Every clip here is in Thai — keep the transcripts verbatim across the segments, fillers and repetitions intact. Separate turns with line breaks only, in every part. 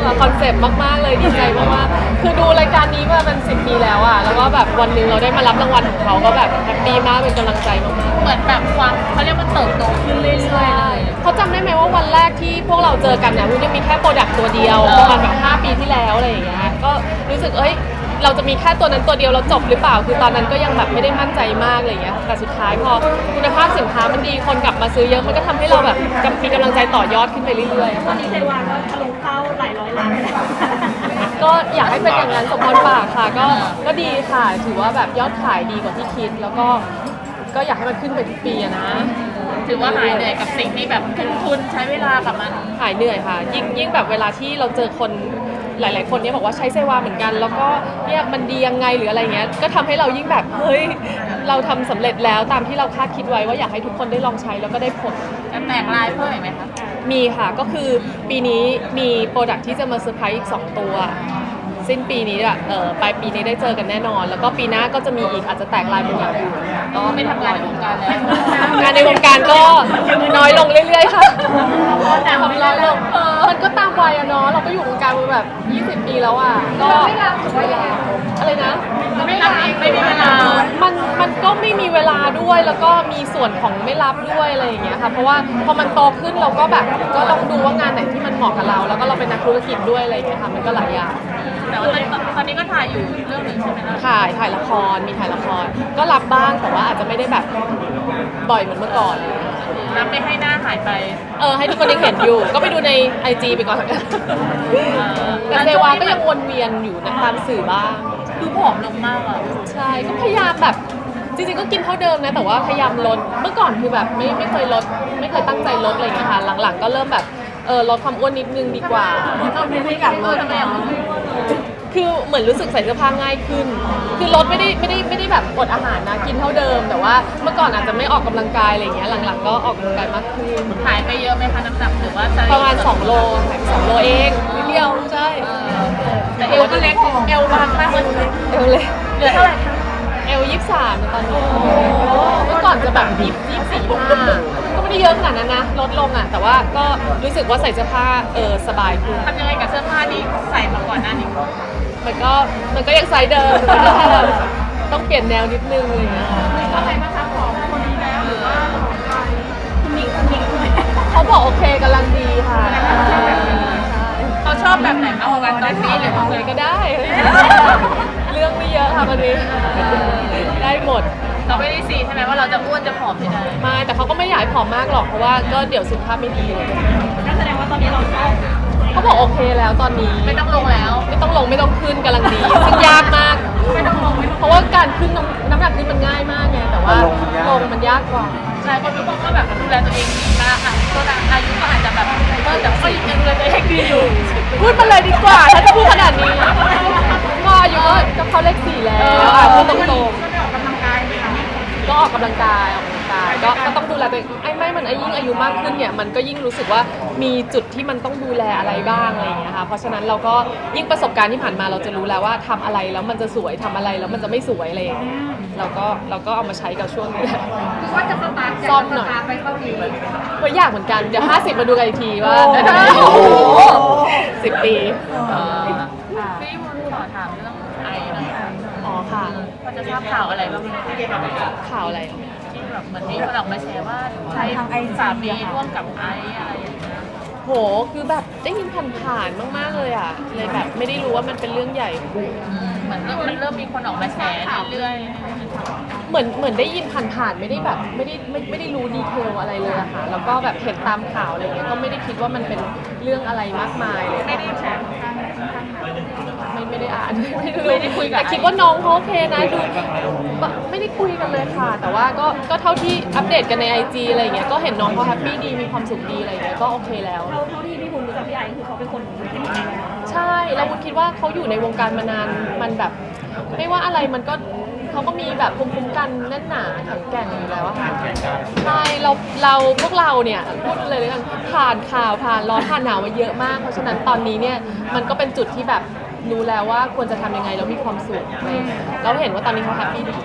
คอนเซปต์มากๆเลยดีใจมากๆคือดูรายการนี้มาเป็นสิบปีแล้วอ่ะแล้วก็แบบวันหนึ่งเราได้มารับรางวัลของเขาก็แบบแฮปปี้มากเป็นกำลังใจมากๆ
เหมือนแบบความเขาเรียกมันเติบโตขึ้นเรื่อยๆเลย
เขาจำได้ไหมว่าวันแรกที่พวกเราเจอกันเนี่ยวุ้นยังมีแค่โปรดักต์ตัวเดียวประมาณแบบห้าปีที่แล้วอะไรอย่างเงี้ยก็รู้สึกเอ้ยเราจะมีแค่ตัวนั้นตัวเดียวเราจบหรือเปล่าคือตอนนั้นก็ยังแบบไม่ได้มั่นใจมากอะไรอย่างเงี้ยแต่สุดท้ายพอคุณภาพสินค้ามันดีคนกลับมาซื้อเยอะมันก็ทำให้เราแบบมีกำลังใจต่อยอดขึ้นไปเรื่อยๆ
ตอนนี้เซวาก็ทะลุเข้าหลายร้อยล้านแล้ว
ก็อยากให้เป็นอย่างนั้นสมพรปากค่ะก็ก็ดีค่ะถือว่าแบบยอดขายดีกว่าที่คิดแล้วก็ก็อยากให้มันขึ้นไปทุกปีอะนะ
ถือว่าหายเหนื่อยกับสิ่งที่แบบทุ่มทุนใช้เวลากับมัน
หายเหนื่อยค่ะยิ่งยิ่งแบบเวลาที่เราเจอคนหลาย ๆ คนเนี่ยบอกว่าใช้เซวาเหมือนกัน แล้วก็เนี่ยมันดียังไงหรืออะไรเงี้ยก็ทำให้เรายิ่งแบบเฮ้ยเราทำสำเร็จแล้วตามที่เราคาดคิดไว้ว่าอยากให้ทุกคนได้ลองใช้แล้วก็ได้ผล
จะแตกลายเพิ่มอีกไหมคะ
มีค่ะก็คือปีนี้มีโปรดักที่จะมาเซอร์ไพรส์อีกสองตัวสิ้นปีนี้อะเออปลายปีนี้ได้เจอกันแน่นอน แล้วก็ปีหน้าก็จะมีอีกอาจจะแตกลายเป็นอย่างอื่น
ก็ไม่ทำงานในวงการแล้ว
งานในวงการก็น้อยลงเรื่อยๆค่ะแต่ทำน้อยลงเออมันก็ตามวัยอะเนาะเราก็อยู่วงการมาแบบยี่สิบปีแล้วอะก็ไม่รับอะไรนะ
ไม่รับไม่มีเวลา
มันมันก็ไม่มีเวลาด้วยแล้วก็มีส่วนของไม่รับด้วยอะไรอย่างเงี้ยค่ะเพราะว่าพอมันโตขึ้นเราก็แบบก็ลองดูว่างานไหนที่มันเหมาะกับเรา แล้วก็เราเป็นนักธุรกิจด้วยอะไรอย่างเงี้ยค่ะมันก็หลายอย่าง
แต่ว่าตอนนี้ตอนนี้ก็ถ่ายอยู่เรื่องหนึ่งใช่ไหมคะ
ถ่ายถ่ายละครมีถ่ายละครก็รับบ้างแต่ว่าอาจจะไม่ได้แบบบ่อยเหมือนเมื่อก่อน
รับไม่ให้หน้าหายไป
เออให้ทุกคนยังเห็นอยู่ ก็ไปดูในไอจีไปก่อน แต่เซวาก็ยังวนเวียนอยู่นะตามสื่อบ้าง
ดูผอมลงมากอ่ะ
ใช่ก็พยายามแบบจริงๆก็กินเท่าเดิมนะแต่ว่าพยายามลดเมื่อก่อนคือแบบไม่ไม่เคยลดไม่เคยตั้งใจลดอะไรอย่างเงี้ยค่ะหลังๆก็เริ่มแบบเออลดความอ้วนนิดนึงดีกว่า
ต้องไม่อยากเออทำไมอ่ะ
คือเหมือนรู้สึกใส่เสื้อผ้าง่ายขึ้น คือลดไม่ได้ไม่ได้ไม่ได้แบบอดอาหารนะกินเท่าเดิม แต่ว่าเมื่อก่อนอาจจะไม่ออกกำลังกายอะไรอย่างเงี้ยหลังๆก็ออกกำลังกายมากขึ้น
หายไปเยอะไหมคะน้ำหนักหรือว่า
ประมาณสองโลหายไปสองโลเองนิดเดียวใช่
แต่เอวก็เล็กเอวบางมากเลย
เอวเลย
เหลือเท่าไหร่คะ
เอลยี่สิบสามตอนนี้เมื่อก่อนจะแบบยี่สิบสี่ห้าก็ไม่ได้เยอะขนาดนั้นนะลดลงอ่ะแต่ว่าก็รู้สึกว่าใส่เสื้อผ้าเออสบายขึ้น
ทำยังไงกับเสื้อผ้าที่ใส่มาก่อนหน้านี้
มันก็มันก็ยังไซส์เดิมมันก็แค่แบบต้องเปลี่ยนแนวนิดนึงอะไรอย่างเงี้ย
ว่าไงบ้างคะผอมคนนี้แล้วหรือว่าคุณหนิงคุณหนิงคุณ
เขาบอกโอเคกำลังดีค่ะ
เขาชอบแบบไหนมากกว่ากันตอนนี้หรือว่า
อะไรก็ได้ เรื่องไม่เยอะค่ะวันนี้ได้หมด
เราไม่ได้ซีใช่ไหมว่าเราจะอ้วนจะผอมไม่ได้
ไม่แต่เขาก็ไม่อยากให้ผอมมากหรอกเพราะว่าก็เดี๋ยวสุขภาพไม่ดีเลย
นั่นแสดงว่าตอนนี้เราชอบ
เขาบอกโอเคแล้วตอนนี้
ไม่ต้องลงแล้ว
ไม่ต้องลงไม่ต้องขึ้นกำลังดีซึ่งยากมากไม่ต้องลงเพราะว่าการขึ้นน้ำน้ำหนักขึ้นมันง่ายมากไงแต่ว่าลงมันยากกว่า
หลายคนบอกว่าแบบดูแลตัวเองดีมากอ่ะตัวอายุก็อาจจะแบบเออแต่ก็ยังดูแลตัวเองดีอยู่
พูดมาเลยดีกว่าถ้าจะพูดขนาดนี้ก็อายุก็เข้าเลขสี่แล้วอ่ะพูดตรงๆก็ออกกำลังกายออกกำลังกายก็ก็ต้องดูแลตัวเองไอ้ไม่มันไอ้ยิ่งอายุมากขึ้นเนี่ยมันก็ยิ่งรู้สึกว่ามีจุดที่มันต้องดูแลอะไรบ้างอะไรอย่างเงี้ยค่ะเพราะฉะนั้นเราก็ยิ่งประสบการณ์ที่ผ่านมาเราจะรู้แล้วว่าทำอะไรแล้วมันจะสวยทำอะไรแล้วมันจะไม่สวยอะไรอย่างเงี้ยเราก็เราก็เอามาใช้กับช่วงนี้แหละ
คือว่าจะสตาร์ท
ซ่อมหน่อย
ไปเกาหลี
ก็อยากเหมือนกันเดี๋ยวห้าสิบมาดูกันอีกทีว่าได้ไหมสิบปี
เออพี่วุ้นขอถามเรื่องไอนะคะ
อ๋อค่ะ
พอจะทราบข่าวอะไรบ้างไหม
ข่าวอะไร
ที่แบบเหมือนมีคนออกมาแชร์ว่าใช้สามีร่วมกับไออะไรอย่างเงี้ย
โหคือแบบได้ยินผ่านๆมากๆเลยอ่ะเลยแบบไม่ได้รู้ว่ามันเป็นเรื่องใหญ่
เหมือนเริ่มมันเริ่มมีคนออกมาแชร์เรื่อย
เหมือนเหมือนได้ยินผ่านๆไม่ได้แบบไม่ได้ไม่ไม่ได้รู้ดีเทลอะไรเลยอะค่ะแล้วก็แบบเห็นตามข่าวอะไรเงี้ยก็ไม่ได้คิดว่ามันเป็นเรื่องอะไรมากมายเลย
ๆไม่ได้แชร์
ไม่ไม่ได้อ่านไม่ได้ไม่ได้คุยแต่คิดว่าน้องเขาโอเคนะดูไม่ได้คุยกันเลยค่ะ แต่ว่าก็ก็เท่าที่อัปเดตกันในไอจีอะไรอย่างเงี้ยก็เห็นน้องเขาแฮปปี้ดีมีความสุขดีอะไรอย่างเงี้ยก็โอเคแล้ว
เราเท่าที่พี่คุณรู้จักพี่ไอคือเขาเป็นคนที่ดีแล้ว
ใช่แล้ววุ้นคิดว่าเขาอยู่ในวงการมานานมันแบบ ไม่ว่าอะไรมันก็เขาก็มีแบบภูมิคุ้มกันแน่นหนาแข็งแกร่งอยู่แล้วอะค่ะใช่เราเราพวกเราเนี่ยพูดเลยเลยกันผ่านข่าวผ่านร้อนผ่านหนาวมาเยอะมาก เพราะฉะนั้นตอนนี้เนี่ยมันก็เป็นจุดที่แบบรู้แล้วว่าควรจะทำยังไงแล้วมีความสุขอะไรอย่างเงี้ยเราเห็นว่าตอนนี้เขาแฮปปี้ดี
แสดง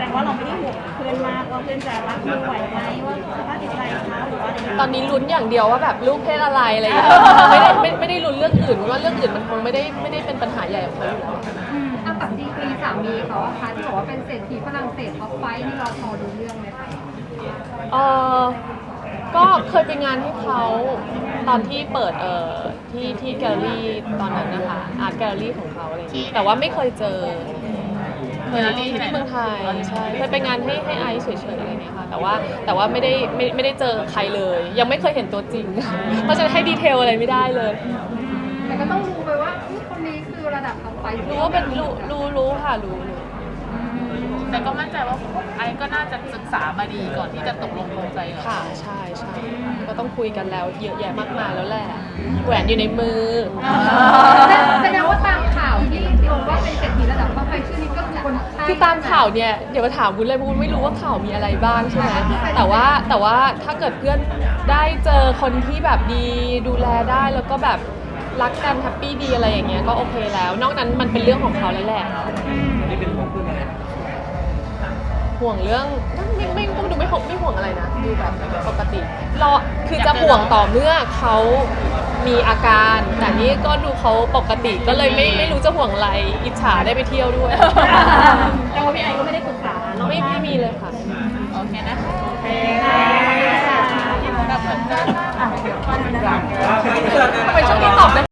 งว่าเราไม่ได้ห่วงเพื่อนมากว่าเพื่อนจะรับมือไหวไหมว่าสภาพจิตใจเขาหรือว่าอะไร
ตอนนี้ลุ้นอย่างเดียวว่าแบบลูกเพศอะไรอะไรอย่างเงี้ยไม่ได้ไม่ไม่ได้ลุ้นเรื่องอื่นว่าเรื่องอื่นมันคงไม่ได้ไม่ได้เป็นปัญหาใหญ่ของเขาอยู่แล้ว
อ่ะกับดีกรีสามีเขาอะค่ะที่บอกว่าเป็นเศรษฐีฝรั่งเศสท็อปไฟว์นี่เราพอรู้เรื่องไหมคะ
เออก็เคยไปงานให้เขาตอนที่เปิดเอ่อที่ที่แกลเลอรี่ตอนนั้นนะคะอาร์ตแกลเลอรี่ของเขาอะไรอย่างเงี้ยแต่ว่าไม่เคยเจอเคยที่เมืองไทยใช่เคยไปงานให้ให้ไอซ์เฉยๆอะไรอย่างเงี้ยค่ะแต่ว่าแต่ว่าไม่ได้ไม่ไม่ได้เจอใครเลย ยังไม่เคยเห็นตัวจริง เพราะฉะนั้นให้ดีเทลอะไรไม่ได้เลย
แต่ก็ต้องรู้ไปว่าอุ๊ยคนนี้คือระดับท็อปไฟว์
รู้ว่าเป็นรู้รู้รู้ค่ะรู้รู้
แต่ก็มั่นใจว่าไอ้ก็น่าจะศึกษามาดีก่อนที่จะตกลงปลงใจกับ
ค่ะใช่ใช่ก็ต้องคุยกันแล้วเยอะแยะมากมายแล้วแหละแหวนอยู่ในมือ
แสดงว่าตามข่าวที่ลงว่าเป็นเศรษฐีระดับท็อปไฟว์ชื่อนี้ก็คือคนใช่
คือตามข่าวเนี่ยเดี๋ยวมาถามวุ้นเลยวุ้นไม่รู้ว่าข่าวมีอะไรบ้างใช่ไหมแต่ว่าแต่ว่าถ้าเกิดเพื่อนได้เจอคนที่แบบดีดูแลได้แล้วก็แบบรักกันแฮปปี้ดีอะไรอย่างเงี้ยก็โอเคแล้ว นอกนั้นมันเป็นเรื่องของเขาแล้วแหละห่วงเรื่องไม่ไม่ไม่ดูไม่ห่วงไม่ห่วงอะไรนะดูแบบปกติรอคือจะห่วงต่อเมื่อเขามีอาการ แต่นี่ก็ดูเขาปกติก็เลยไม่ไม่รู้จะห่วงอะไรอิจฉาได้ไปเที่ยวด้วย
แต่ว่าพี่ไอก็ไม่ได้ปรึกษาเนาะ
ไม่ไม่มีเลยค่ะ
โอเคนะ
โอเค
แบบเหมือนกัน
อ่ะเดี๋ยวก่อนนะ
ทำไมช่วงนี้ตอบได้